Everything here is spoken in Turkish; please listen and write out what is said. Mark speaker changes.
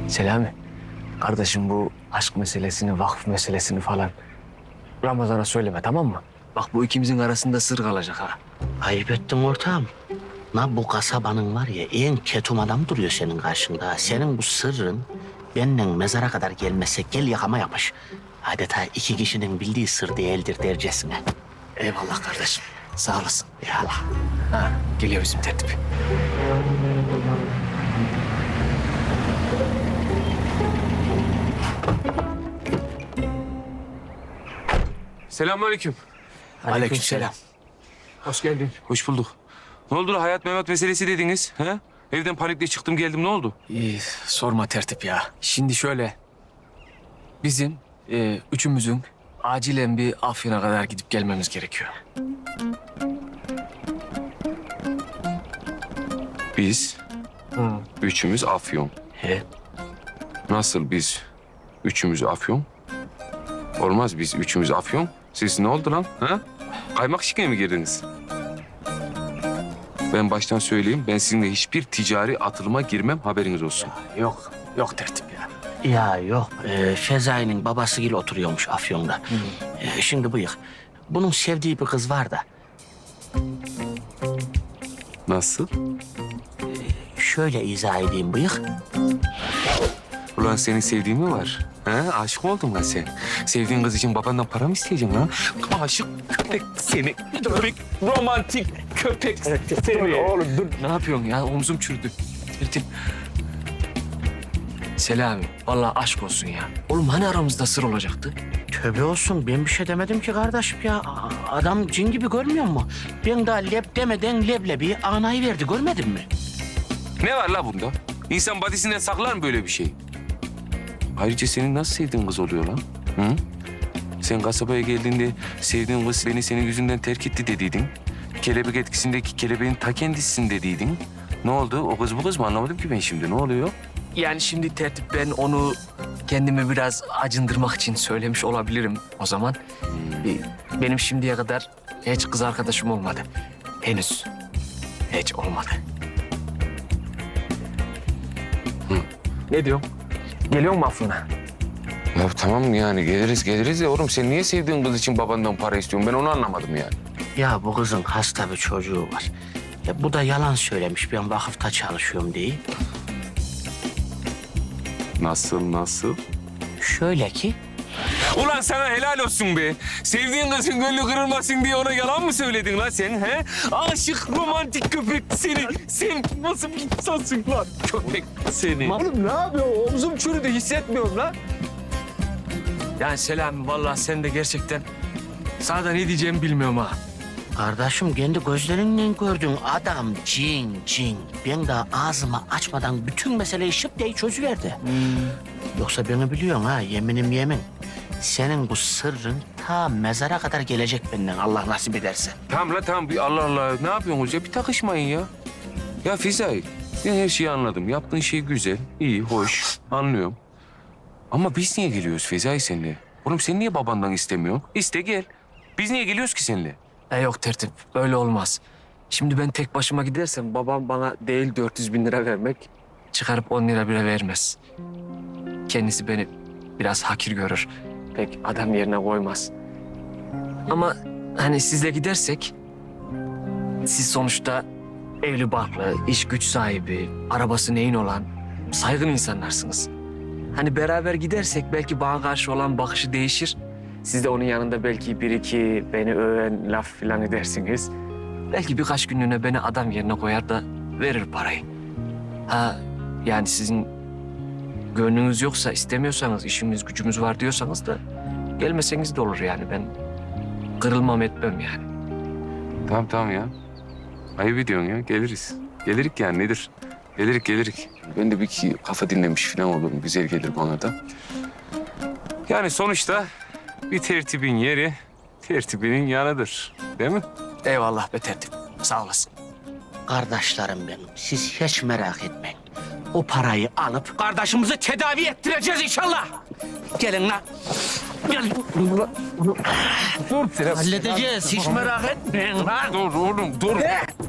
Speaker 1: Selami, kardeşim bu aşk meselesini, vakıf meselesini falan Ramazan'a söyleme, tamam mı? Bak bu ikimizin arasında sır kalacak ha.
Speaker 2: Ayıp ettin ortağım. Bu kasabanın var ya en ketum adam duruyor senin karşında. Senin bu sırrın benden mezara kadar gelmezse gel yakama yapış. Adeta iki kişinin bildiği sır değildir dercesine.
Speaker 1: Eyvallah kardeşim, sağ olasın.
Speaker 2: Ya Allah.
Speaker 1: Ha, geliyor bizim tertip.
Speaker 3: Selamünaleyküm.
Speaker 1: Aleykümselam.
Speaker 3: Hoş geldin. Hoş bulduk. Ne oldu la hayat memat meselesi dediniz? Ha? Evden panikle çıktım geldim ne oldu?
Speaker 1: Sorma tertip ya. Şimdi şöyle, bizim üçümüzün acilen bir Afyon'a kadar gidip gelmemiz gerekiyor.
Speaker 3: Biz üçümüz Afyon.
Speaker 1: He.
Speaker 3: Nasıl biz üçümüz Afyon? Olmaz biz üçümüz Afyon. Siz ne oldu lan? Ha? Kaymak şikeye mi girdiniz? Ben baştan söyleyeyim. Ben sizinle hiçbir ticari atılıma girmem. Haberiniz olsun.
Speaker 1: Yok tertip ya.
Speaker 2: Ya yok, Fezai'nin babasıyla oturuyormuş Afyon'da. Şimdi bıyık, bunun sevdiği bir kız var da.
Speaker 3: Nasıl?
Speaker 2: Şöyle izah edeyim bıyık.
Speaker 3: Ulan senin sevdiğin mi var? Ha? Aşık oldun lan sen. Sevdiğin kız için babandan para mı isteyeceksin lan? Aşık köpek seni. Köpek, romantik köpek seni.
Speaker 1: Oğlum dur. Ne yapıyorsun ya? Omzum çürüdü. Tertip. Selami, vallahi aşk olsun ya. Oğlum hani aramızda sır olacaktı?
Speaker 2: Tövbe olsun, ben bir şey demedim ki kardeşim ya. Adam cin gibi görmüyor mu? Ben daha leb demeden leblebi anayı verdi, görmedin mi?
Speaker 3: Ne var la bunda? İnsan badisinden saklar mı böyle bir şey? Ayrıca senin nasıl sevdiğin kız oluyor lan? Hı? Sen kasabaya geldiğinde sevdiğin kız beni senin yüzünden terk etti dediydin. Kelebek etkisindeki kelebeğin ta kendisisin dediydin. Ne oldu? O kız bu kız mı? Anlamadım ki ben şimdi. Ne oluyor?
Speaker 1: Yani şimdi tertip ben onu kendimi biraz acındırmak için söylemiş olabilirim o zaman. Benim şimdiye kadar hiç kız arkadaşım olmadı. Henüz. Hiç olmadı. Ne diyorsun? Geliyor mu Afyon'a?
Speaker 3: Ya tamam yani geliriz de oğlum sen niye sevdiğin kız için babandan para istiyorsun? Ben onu anlamadım yani.
Speaker 2: Ya bu kızın hasta bir çocuğu var. Ya bu da yalan söylemiş, ben vakıfta çalışıyorum diye.
Speaker 3: Nasıl?
Speaker 2: Şöyle ki,
Speaker 3: Ulan sana helal olsun be. Sevdiğin kızın gönlü kırılmasın diye ona yalan mı söyledin lan sen he? Aşık romantik köpek seni. Sen nasıl bir insansın lan köpek seni.
Speaker 1: Oğlum ne yapıyorsun? Omzum çürüdü hissetmiyorum lan. Yani Selami vallahi sen de gerçekten sana da ne diyeceğimi bilmiyorum ha.
Speaker 2: kardeşim kendi gözlerinle gördün adam cin. Ben daha ağzımı açmadan bütün meseleyi şıp diye çözüverdi. Yoksa beni biliyorsun ha, yeminim yemin. Senin bu sırrın ta mezara kadar gelecek benden Allah nasip ederse.
Speaker 3: Tamam la tamam bir Allah Allah ne yapıyorsunuz ya bir takışmayın ya. Ya Fizay ben her şeyi anladım. Yaptığın şey güzel, iyi, hoş anlıyorum. Ama biz niye geliyoruz Fizay seninle? Oğlum sen niye babandan istemiyorsun? İste gel. Biz niye geliyoruz ki seninle?
Speaker 1: Yok tertip öyle olmaz. Şimdi ben tek başıma gidersem babam bana değil 400.000 lira vermek çıkarıp 10 lira bile vermez. Kendisi beni biraz hakir görür. Pek adam yerine koymaz. Ama hani sizle gidersek siz sonuçta evli barklı, iş güç sahibi, arabası neyin olan saygın insanlarsınız. Hani beraber gidersek belki bana karşı olan bakışı değişir. Siz de onun yanında belki bir iki beni öven laf falan edersiniz. Belki birkaç günlüğüne beni adam yerine koyar da verir parayı. Ha yani sizin gönlünüz yoksa istemiyorsanız işimiz gücümüz var diyorsanız da gelmeseniz de olur yani ben kırılmam etmem yani.
Speaker 3: Tamam ya. Ayıp ediyorsun ya geliriz. Gelirik yani nedir? Gelirik. Ben de bir iki kafa dinlemiş falan olurum. Güzel gelir bana da. Yani sonuçta bir tertibin yeri tertibinin yanıdır. Değil mi?
Speaker 1: Eyvallah be tertip sağ olasın.
Speaker 2: Kardeşlerim benim, siz hiç merak etmeyin. O parayı alıp kardeşimizi tedavi ettireceğiz inşallah. Gelin lan. Gelin.
Speaker 3: Dur.
Speaker 2: Halledeceğiz, hiç merak etmeyin lan.
Speaker 3: Dur oğlum dur.